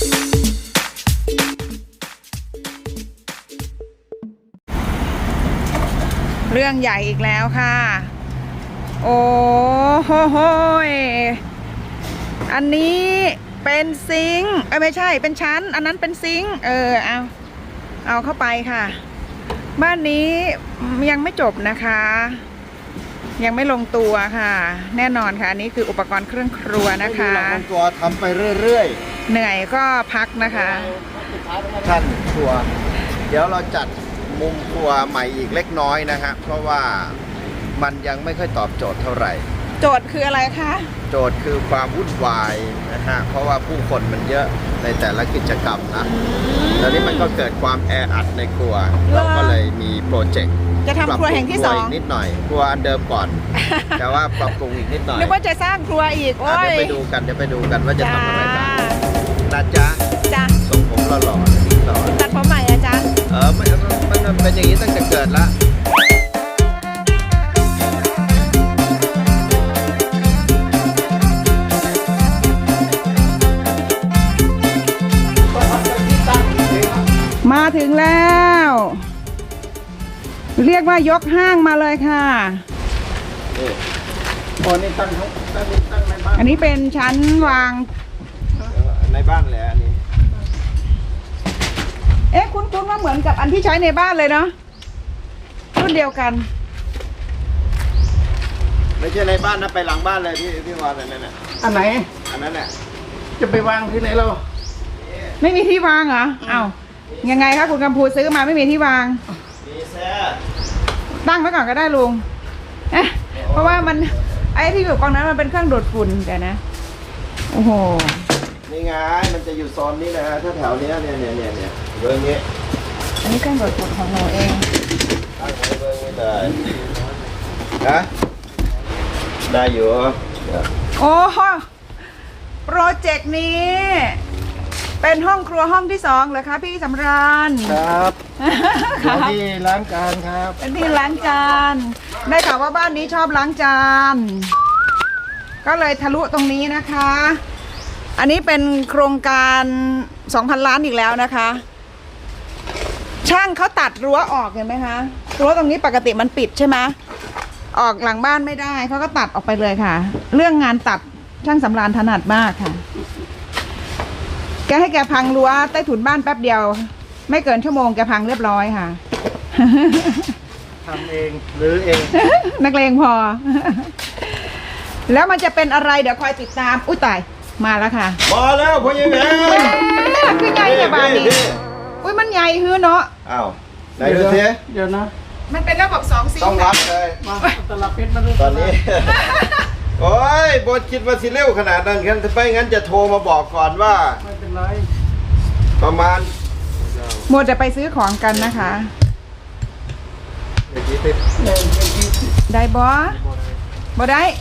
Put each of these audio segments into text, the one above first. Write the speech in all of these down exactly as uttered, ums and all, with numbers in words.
เรื่องใหญ่อีกแล้วค่ะโอ้โหโหยอันนี้เป็นซิงค์เอ้ยไม่ใช่เป็นชั้นอันนั้นเป็นซิงค์เออเอาเอาเข้าไปค่ะบ้านนี้ยังไม่จบนะคะยังไม่ลงตัวค่ะแน่นอนค่ะอันนี้คืออุปกรณ์เครื่องครัวนะคะตัวทำไปเรื่อยๆเหนื่อยก็พักนะคะท่านครัวเดี๋ยวเราจัดมุมครัวใหม่อีกเล็กน้อยนะฮะเพราะว่ามันยังไม่ค่อยตอบโจทย์เท่าไหร่โจทย์คืออะไรคะโจทย์คือความวุ่นวายนะฮะเพราะว่าผู้คนมันเยอะในแต่ละกิจกรรมนะตอนนี้มันก็เกิดความแออัดในครัวเราก็เลยมีโปรเจกต์จะทำครัวแห่งที่สองนิดหน่อยครัวอันเดิมก่อนแต่ว่าปรับปรุงอีกนิดหน่อยนึกว่าจะสร้างครัวอีกโอ้ยเดี๋ยวไปดูกันเดี๋ยวไปดูกันว่าจะทำอะไรบ้างนะจ๊ะจ้ะทรงผมหล่อๆนิดหน่อยตัดผมใหม่อะจ๊ะเออมันมันเป็นอย่างนี้ตั้งแต่เกิดละมาถึงแล้วเรียกว่ายกห้างมาเลยค่ะโอ้นี่ตั้งตั้งตั้งในบ้านอันนี้เป็นชั้นวางในบ้านแหละอันนี้เอ๊ะคุ้นๆว่าเหมือนกับอันที่ใช้ในบ้านเลยเนาะรุ่นเดียวกันไม่ใช่ในบ้านนะไปหลังบ้านเลยที่ที่วางนั่นน่ะอันไหนอันนั้นแหละจะไปวางที่ไหนเราไม่มีที่วางเหรออ้าวยังไงคะคุณกำพูซื้อมาไม่มีที่วางมีแซ่ตั้งไว้ก่อนก็ได้ลุงเอ๊ะเพราะว่ามันไอ้ที่อยู่กองนั้นมันเป็นเครื่องดูดฝุ่นแต่นะโอ้โหนี่ไงมันจะอยู่โซนนี้นะฮะถ้าแถวนี้เนี่ยเนี่ยเนี่ยเนี่ยเบอร์นี้อันนี้เครื่องดูดฝุ่นของเราเองตั้งไว้เบอร์นี้เลยนะได้อยู่โอ้โหโปรเจกต์นี้เป็นห้องครัวห้องที่สองเหรอคะพี่สำราญครับเป็นที่ล้างจานครับเป็นที่ล้างจานได้ข่าวว่าบ้านนี้ชอบล้างจานก็เลยทะลุตรงนี้นะคะอันนี้เป็นโครงการ สองพัน ล้านอีกแล้วนะคะช่างเขาตัดรั้วออกเห็นไหมคะรั้วตรงนี้ปกติมันปิดใช่ไหมออกหลังบ้านไม่ได้เขาก็ตัดออกไปเลยค่ะเรื่องงานตัดช่างสำราญถนัดมากค่ะแกให้แกพังรั้วใต้ถุนบ้านแป๊บเดียวไม่เกินชั่วโมงแกพังเรียบร้อยค่ะทำเองหรือเองนักเลงพอแล้วมันจะเป็นอะไรเดี๋ยวคอยติดตามอุ้ยตายมาแล้วค่ะมาแล้วพ่อใหญ่แหวนคือใหญ่ในบ้านนี้อุ้ยมันใหญ่ฮือเนาะอ้าวไหนดูสิเดี๋ยวนะมันเป็นระบบสองซีต้องรับเลยมาตลับเพชรมาดูตอนนี้โอ้ยบดคิดว่าสิเร็วขนาดนั้นกันไปงั้นจะโทรมาบอกก่อนว่าไม่เป็นไรประมาณหมดจะไปซื้อของกันนะคะได้บอบอได้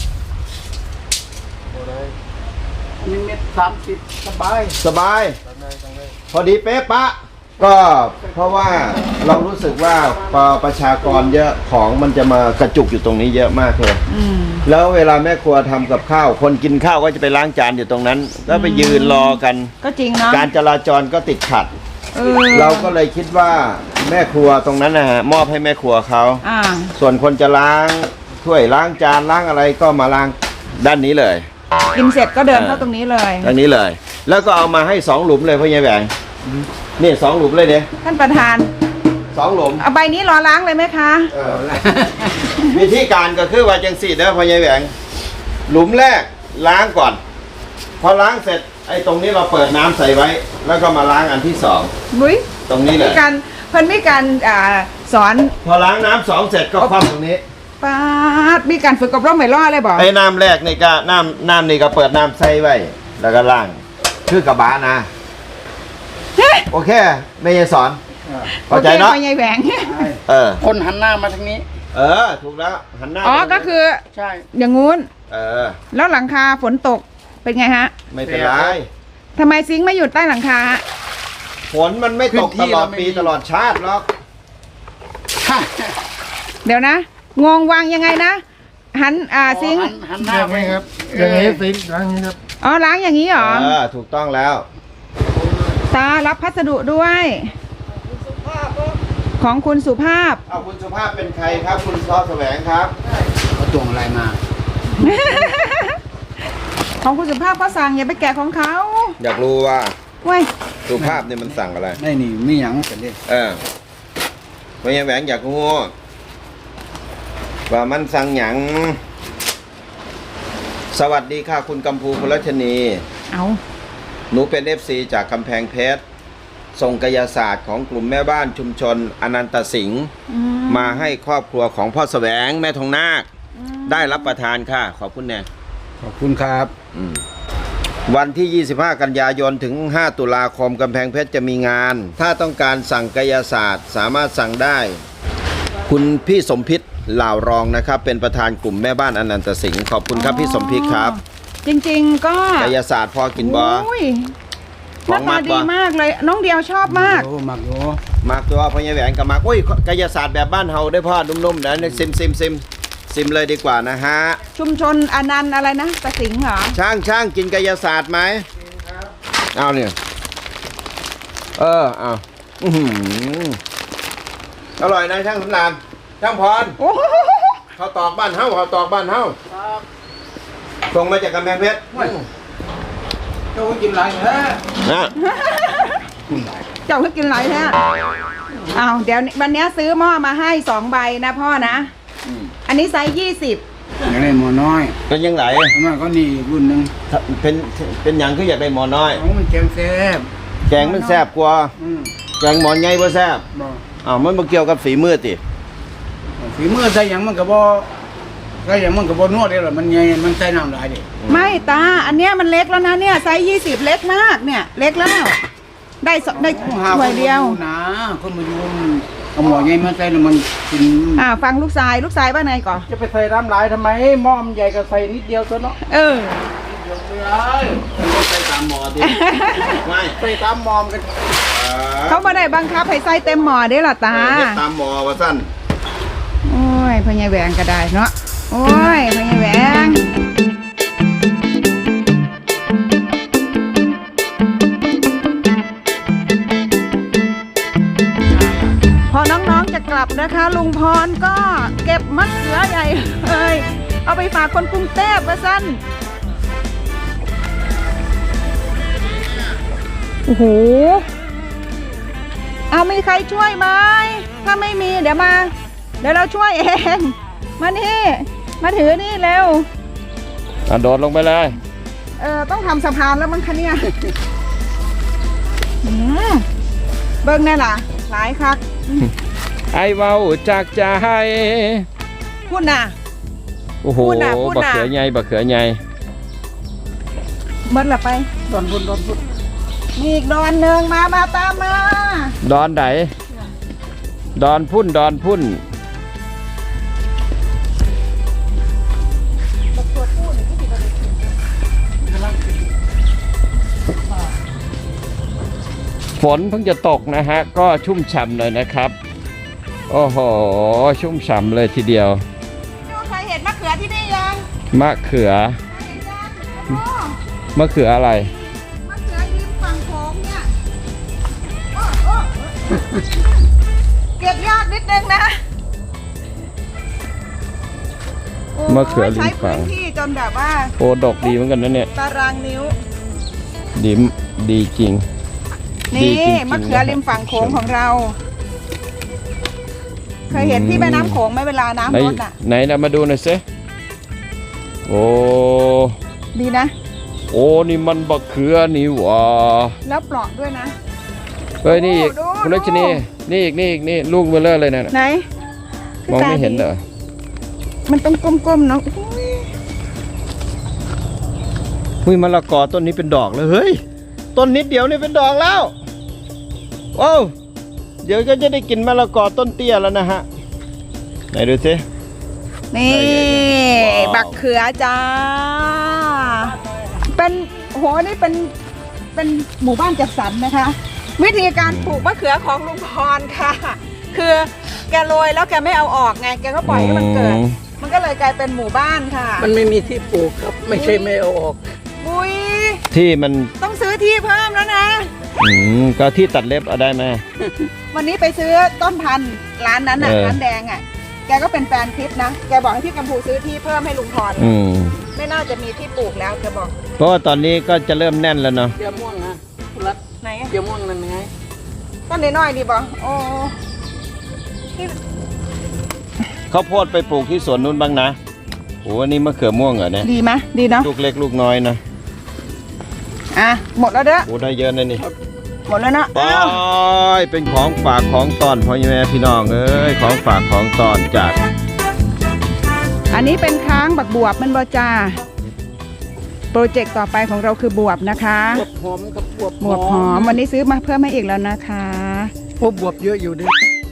มีเม็ดสามสิบสบายสบายพอดีเป๊ะปะก็เพราะว่าเรารู้สึกว่าพอประชากรเยอะของมันจะมากระจุกอยู่ตรงนี้เยอะมากเลยแล้วเวลาแม่ครัวทำกับข้าวคนกินข้าวก็จะไปล้างจานอยู่ตรงนั้นแล้วไปยืนรอกันก็จริงเนาะการจราจรก็ติดขัดเราก็เลยคิดว่าแม่ครัวตรงนั้นนะฮะมอบให้แม่ครัวเขาส่วนคนจะล้างถ้วยล้างจานล้างอะไรก็มาล้างด้านนี้เลยกินเสร็จก็เดินเข้าตรงนี้เลยตรงนี้เลยแล้วก็เอามาให้สองหลุมเลยพ่อใหญ่แหวงนี่สองหลุมเลยเนี่ยท่านประธานสองหลุมเอาใบนี้รอล้างเลยไหมคะวิธีการก็คือว่าจังสี่เด้อพ่อใหญ่แหวงหลุมแรกล้างก่อนพอล้างเสร็จไอ้ตรงนี้เราเปิดน้ำใส่ไว้แล้วก็มาล้างอันที่สองบุ้ยตรงนี้เลยมีการเพิ่นมีการสอนพอล้างน้ำสองเสร็จก็คว่ำตรงนี้ป้าดมีการฝึกอบรมไม่รอดเลยบอกไอ้น้ำแรกนี่ก็น้ำน้ำนี่ก็เปิดน้ำใส่ไว้แล้วก็ล้างคือกระบะนะโอเคไม่ยายสอนเข้าใจเนาะไม่ยายแหวงเออคนหันหน้ามาทางนี้เออถูกแล้วหันหน้าอ๋อก็คือใช่อย่างงู้นเออแล้วหลังคาฝนตกเป็นไงฮะไม่เป็นไรทำไมซิงค์ไม่อยู่ใต้หลังคาฝนมันไม่ตกตลอดปีตลอดชาติหรอกเดี๋ยวนะงงวางยังไงนะหันอ่าซิงค์หันหน้าไปครับอย่างนี้ซิงค์ล้างนี้ครับอ๋อล้างอย่างนี้เหรอเออถูกต้องแล้วตารับพัสดุด้วย ของคุณสุภาพเอาคุณสุภาพเป็นใครครับ คุณซอแสวงครับเขาส่งอะไรมาของคุณสุภาพก็สั่งอย่าไปแกะของเขาอยากรู้ว่าเว้ยสุภาพเนี่ยมันสั่งอะไรไม่นี่ไม่หยังกันดิเออพญาแหวงอยากรู้ว่ามันสั่งหยังสวัสดีค่ะคุณกัมพูพลชนีเอาหนูเป็นเอฟซีจากกำแพงเพชรส่งกายศาสตร์ของกลุ่มแม่บ้านชุมชนอนันตสิงห์อืมาให้ครอบครัวของพ่อแสวงแม่ทองนาคได้รับประทานค่ะ ขอบคุณแน่ขอบคุณครับอืมวันที่ ยี่สิบห้า กันยายน ถึง ห้า ตุลาคมกำแพงเพชรจะมีงาน ถ้าต้องการสั่งกายศาสตร์สามารถสั่งได้ คุณพี่สมพิษเหล่ารองนะครับ เป็นประธานกลุ่มแม่บ้านอนันตสิงห์ขอบคุณครับพี่สมพิษครับจริงๆก็กายศาสตร์พอกินบออุ้ยหขอน้างมัตาดดีบ่มากเลย น้องเดียวชอบมากโอ้มักโยมากตัวพญาแหวนกับมากอุ้ยกายศาสตร์แบบบ้านเฮาได้พ่อนุ่มๆนะซิมซิมซิมซิมเลยดีกว่านะฮะชุมชนอนันต์อะไรนะตะสิงห์เหรอช่างช่างกินกายศาสตร์ไหมเอาเนี่ยเออเอาอื้อหืออร่อยนะช่างสำรานช่างพรโอ้โหเขาตอกบ้านเฮาเขาตอกบ้านเฮาส่งมาจากกำแพงเพชรเจ้ากินอะไรฮะนะเจ้าเพิ่งกินไหลแท้อ้าวเดี๋ยววันนี้ซื้อหม้อมาให้สองใบนะพ่อนะ อันนี้ไซส์ยี่สิบอย่างไรหมอน้อยเป็นยังไงมันก็นี่รุ่นหนึ่งเป็นเป็นหยังคืออยากได้หมอน้อยของมันแกงแซ่บแกงมันแซ่บกว่าอืมแกงหมอใหญ่บ่แซ่บบ่อ้าวมันบ่เกี่ยวกับฝีมือติฝีมือใส่หยังมันก็บ่ใส่หยังมันก็บ่นวดได้หรอกมันใหญ่มันใส่น้ำหลายดิไม่ตา อันเนี้ยมันเล็กแล้วนะเนี่ยไซส์ยี่สิบเล็กมากเนี่ย เล็กแล้ว ได้สได้ต้องหาถ้วยเดียวคนมาดูนะคนมาดูเอาหมอใหญ่มาใส่แล้วมันกินอ่าฟังลูกชายลูกชายว่าไงก่อนจะไปใส่น้ำหลายทำไมหม้อมนใหญ่ก็ใส่นิดเดียวตัวเนาะเออเดียวไม่ได้ต้องใส่ตามหมอติไม่ใส่ตามหมอมกันเขาไม่ได้บังคับให้ใส่เต็มหม้อได้หรอตาเฮ็ดตามหมอว่าซั่นโอ้ยพญาแหวงก็ได้เนาะโอ้ยพญาแหวงพอน้องๆจะกลับนะคะ ลุงพรก็เก็บมะเขือใหญ่เลยเอาไปฝากคนกรุงเทพว่าสั้นโอ้โหเอามีใครช่วยไหมถ้าไม่มีเดี๋ยวมา เดี๋ยวเราช่วยเอง มานี่ มาถือนี่เร็วอ่ะโดดลงไปเลยเออต้องทำสะพานแล้วมั้งคะเนี่ยอืมเบิ้งแน่ล่ะ หลายคักไอเว้าจากใจพูดน่ะโอ้โหพูดน่ะพูดน่ะบักเขือใหญ่บักเขือใหญ่เบิ้งละไปดอนบุญดอนบุญมีอีกดอนหนึ่งมา มาตามมาดอนไหนดอนพุ่นดอนพุ่นฝนเพิ่งจะตกนะฮะ ก็ชุ่มฉ่ำเลยนะครับ โอ้โห ชุ่มฉ่ำเลยทีเดียวใครเห็นมะเขือที่นี่ยังมะเขือเห็นยังโอ้มะเขืออะไรมะเขือริมฝั่งโขงเนี่ยโอ้โอ้เก็บยากนิดนึงนะโยมะเขือริมฝั่งใช้พื้นที่จนแบบว่าโอ้ดอกดีเหมือนกันนะเนี่ยตารางนิ้วดีมดีจริง ดีนี่จริงๆมะเขือริมฝั่งโขงของเรา เคยเห็นที่แม่น้ำโขงไหมเวลาไหนน้ำลดอ่ะไหนนะมาดูหน่อยสิโอ้ดีนะโอ้นี่มันบักเขือนี่หว่าแล้วปลอกด้วยนะเฮ้ยนี่อีกดูคุณรัชนีดูนี่อีกนี่อีกนี่ลูกเบลเลอร์เลยนะไหนมองไม่เห็นเหรอมันต้องก้มๆเนาะอุ๊ยหุ้ยมะละกอต้นนี้เป็นดอกเลยเฮ้ยต้นนิดเดียวนี่เป็นดอกแล้วโอ้วเดี๋ยวก็จะได้กินมะละกอต้นเตี้ยแล้วนะฮะไหนดูสินี่ว้าวบักเขือจ้า เป็นโหนี่เป็นเป็นหมู่บ้านจัดสรรนะคะ วิธีการปลูกมะเขือของลุงพรค่ะ คือแกโรยแล้วแกไม่เอาออกไงแกก็ปล่อยให้มันเกิดอืมมันก็เลยกลายเป็นหมู่บ้านค่ะมันไม่มีที่ปลูกครับ ไม่ใช่ไม่เอาออกบุยที่มันต้องซื้อที่เพิ่มแล้วนะอืมก็ที่ตัดเล็บเอาได้ไหมวันนี้ไปซื้อต้นพันธุ์ร้านนั้นอ่ะเออร้านแดงอ่ะแกก็เป็นแฟนคลิปนะแกบอกให้พี่กัมพูซื้อที่เพิ่มให้ลุงพรอืมไม่น่าจะมีที่ปลูกแล้วแกบอกเพราะว่าตอนนี้ก็จะเริ่มแน่นแล้วเนาะเดี๋ยวม่วงนะคุณรัตไหนอะเดี๋ยวม่วงนั่นไงต้นน้อยๆดีบ่โอ้ที่ข้าวโพดไปปลูกที่สวนนู้นบ้างนะโอ้อันนี้มะเขือม่วงเหรอเนี่ยดีไหมดีเนาะลูกเล็กลูกน้อยนะอ่ะหมดแล้วเด้อโอ้ได้เยอะนะนี่หมดแล้วเนาะไปอ้าวเป็นของฝากของตอนพ่อแม่พี่น้องเอ้ยของฝากของตอนจากอันนี้เป็นค้างบักบวบมันบ่จ้าโปรเจกต์ต่อไปของเราคือบวบนะคะบวบหอมกับบวบบวบหอมวันนี้ซื้อมาเพิ่มให้อีกแล้วนะคะโอ้บวบเยอะอยู่ดิ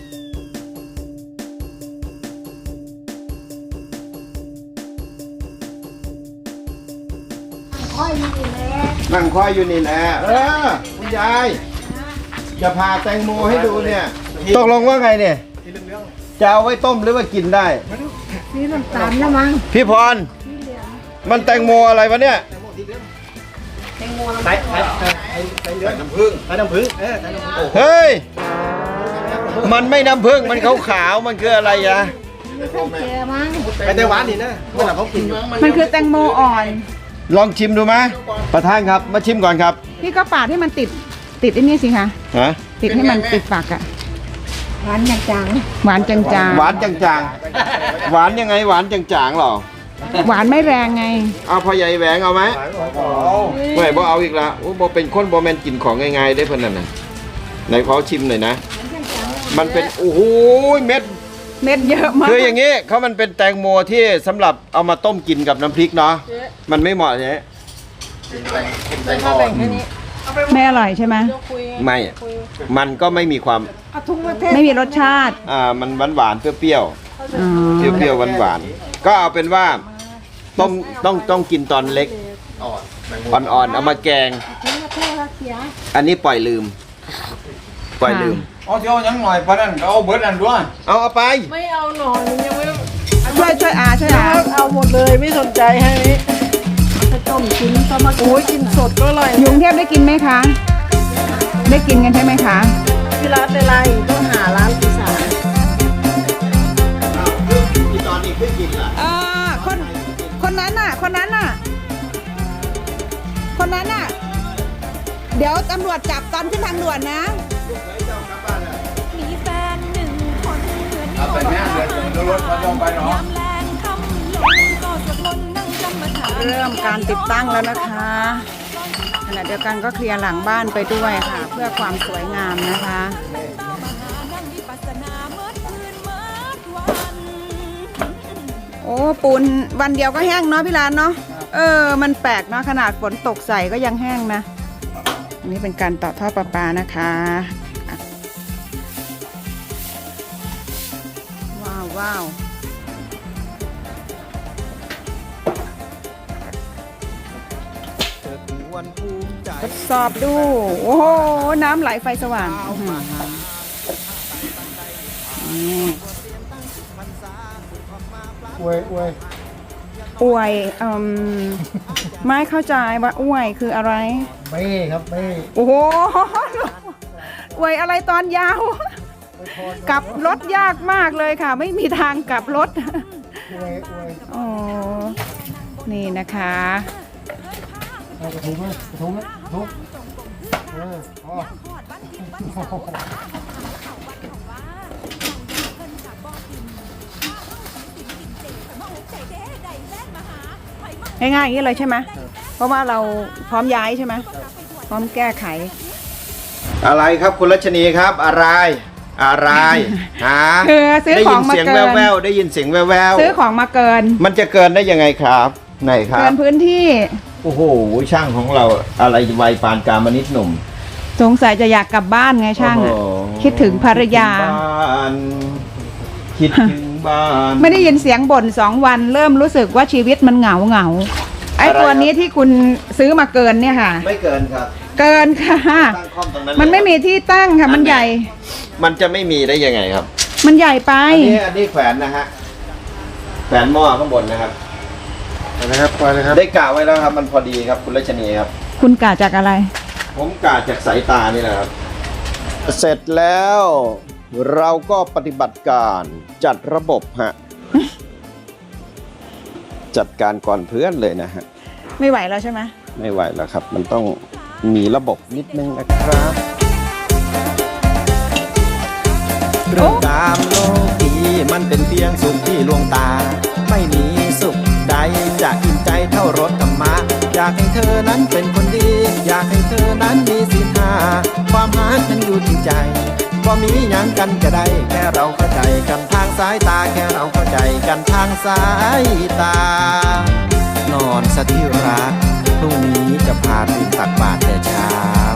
นั่งคอยอยู่นี่แหละเออคุณยายจะพาแตงโมให้ดูเนี่ยตกลงว่าไงเนี่ยจะเอาไว้ต้มหรือว่ากินได้นี่น้ำตาลแล้วมั้งพี่พรมันแตงโมอะไรวะเนี่ยใส่ใส่ใส่น้ำผึ้งใส่น้ำผึ้งเออใส่น้ำผึ้งเฮ้ยมันไม่น้ำผึ้งมันขาวๆมันคืออะไรอะไปไต้หวันนี่นะเมื่อไหร่เขากินมันคือแตงโมอ่อนลองชิมดูไหมประธานครับมาชิมก่อนครับพี่ก็ปาดให้มันติดติดไอ้นี่สิคะฮะติดให้มันติดปากอะหวานจางๆหวานจางหวานจางๆหวานยังไงหวานจางๆหรอๆหวานไม่แรงไงเอาพ่อใหญ่แหวงเอาไหมไม่บ่เอาอีกละโอ้บ่เป็นคนบ่แมนกินของง่ายๆได้เพิ่นนั่นน่ะไหนขอชิมหน่อยนะ มันเป็นโอ้โหเม็ดเม็ดเยอะมากคืออย่างนี้เขามันเป็นแตงโมที่สำหรับเอามาต้มกินกับน้ำพริกเนาะมันไม่เหมาะเนี่ยไม่อร่อยใช่ไหมไม่อะมันก็ไม่มีความไม่มีรสชาติอ่ามันหวานหวานๆเปรี้ยวอ๋อๆเปรี้ยวๆหวานหวานๆก็เอาเป็นว่าต้มต้องต้องกินตอนเล็กอ่อนๆเอามาแกง อันนี้ปล่อยลืม ปล่อยลืมเอาเที่ยวยังหน่อยปะนั่นเอาเบิร์ดอันด้วยเอาเอาไปไม่เอาหน่อยยังไม่ช่วยช่วยอาช่วยอาเอาหมดเลยไม่สนใจให้นี้ถ้าต้มกินก็มาโอ้ยกินสดก็อร่อยอยู่กรุงเทพได้กินไหมคะ ได้กินกันใช่ไหมคะที่ร้านอะไรต้องหาร้านอีสานที่ตอนนี้ขึ้นกินล่ะเออคนคนนั้นน่ะ คนนั้นน่ะ คนนั้นน่ะ เดี๋ยวตำรวจจับตอนขึ้นทางด่วนนะมีแฟนหนึ่งคนเหมือนเอาแต่เนี้ยเดี๋ยวรถเขาต้องไปเนาะยามแรงคำลงก็สวดมนต์นั่งกรรมฐานเริ่มการติดตั้งแล้วนะคะขณะเดียวกันก็เคลียร์หลังบ้านไปด้วยค่ะ เพื่อความสวยงามนะคะนั่งวิปัสสนาเมื่อคืนเมื่อวันโอ้ปูนวันเดียวก็แห้งเนาะพี่ลานเนาะเออ มันแปลกเนาะขนาดฝนตกใส่ก็ยังแห้งนะอันนี้เป็นการต่อท่อประปานะคะว้าวว้าวทดสอบดู โอ้โห น้ำไหลไฟสว่างอื้อหือนี่อวยอวยอวยอืมไม่เข้าใจว่าอวยคืออะไรเบ้ครับเบ้โอ้โห อวยอะไรตอนยาว กลับรถยากมากเลยค่ะ ไม่มีทางกลับรถอวยอวยโอ้นี่นะคะเอากระทุ้งไหมกระทุ้งไหมกระทุ้งเอออ๋อง่ายๆอย่างนี้เลยใช่ไหม เพราะว่าเราพร้อมย้ายใช่ไหม พร้อมแก้ไขอะไรครับคุณรัชนีครับ อะไร อะไรฮะคือซื้อได้ขยิองนมาเสียงเกินแววๆได้ยินเสียงแววซื้อของมาเกินๆมันจะเกินได้ยังไงครับไหนครัเกิบนพื้นที่โอ้โหช่างของเราอะไรวัยปานกลางมนิดหนุ่มสงสัยจะอยากกลับบ้านไงช่างอะโอ้โหคิดถึงภรรยาคิดถึงบ้านไม่ได้ยินเสียงบ่นสองวันเริ่มรู้สึกว่าชีวิตมันเหงาเหงาไอ้อะไรตัวนี้ที่คุณซื้อมาเกินเนี่ยค่ะไม่เกินครับเกินค่ะตั้งคอมตรงนั้นมันไม่มีที่ตั้งค่ะมันใหญ่มันจะไม่มีได้ยังไงครับมันใหญ่ไปอันนี้อันนี้แขวนนะฮะแขวนหม้อข้างบนนะครับไปเลยครับไปเลยครับได้กะไว้แล้วครับ มันพอดีครับคุณรัชนีครับคุณกะจากอะไรฮผมกาดจากสายตานี่แหละครับ เสร็จแล้วเราก็ปฏิบัติการจัดระบบฮะ จัดการก่อนเพื่อนเลยนะฮะไม่ไหวแล้วใช่ไหมไม่ไหวแล้วครับ มันต้องมีระบบนิดนึงนะครับเรื่องกามโลกีมันเป็นเพียงสุขที่ลวงตา ไม่มีสุขใดจะอิ่มใจเท่ารสธรรมะอยากให้เธอนั้นเป็นคนดี อยากให้เธอนั้นมีศีลห้าความรักนั้นอยู่ที่ใจก็มีอย่างกันจะได้แค่เราเข้าใจกันทางสายตาแค่เราเข้าใจกันทางสายตา นอนสถิรักพรุ่งนี้จะพาตื่นตักบาตรแต่เช้า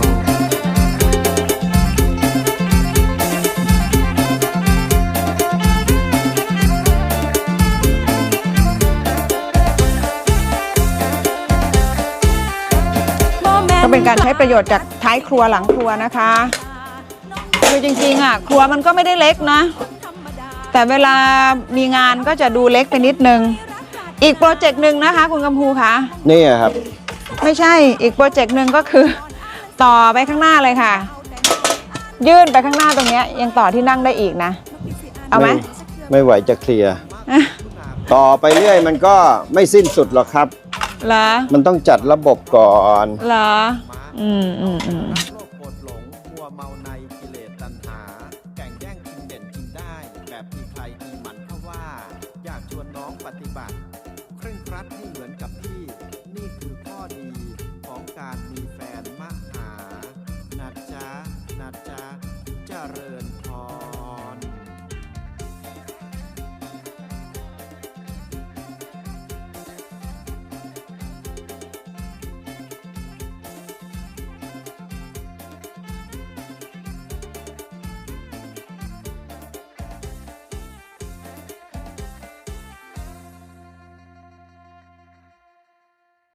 ก็เป็นการใช้ประโยชน์จากท้ายครัวหลังครัวนะคะคือจริงๆอ่ะครัวมันก็ไม่ได้เล็กนะ แต่เวลามีงานก็จะดูเล็กไปนิดนึงอีกโปรเจกต์หนึ่งนะคะคุณกำพูคะนี่ครับไม่ใช่อีกโปรเจกต์หนึ่งก็คือ ต่อไปข้างหน้าเลยค่ะ ยื่นไปข้างหน้าตรงเนี้ยยังต่อที่นั่งได้อีกนะ เอาไหมไม่ไหวจะเคลียร์ ต่อไปเรื่อยมันก็ไม่สิ้นสุดหรอกครับเหรอมันต้องจัดระบบก่อนเหรออืมอืมอืมโลภโกรธหลงมัวเมาในกิเลสตัณหา แก่งแย่งชิงเด่นชิงได้ แบบมีใครมีมันเข้าว่า อยากชวนน้องปฏิบัติเคร่งครัดให้เหมือนกับพี่ นี่คือข้อดีของการมีแฟนมหานะจ๊ะนะจ๊ะเจริญ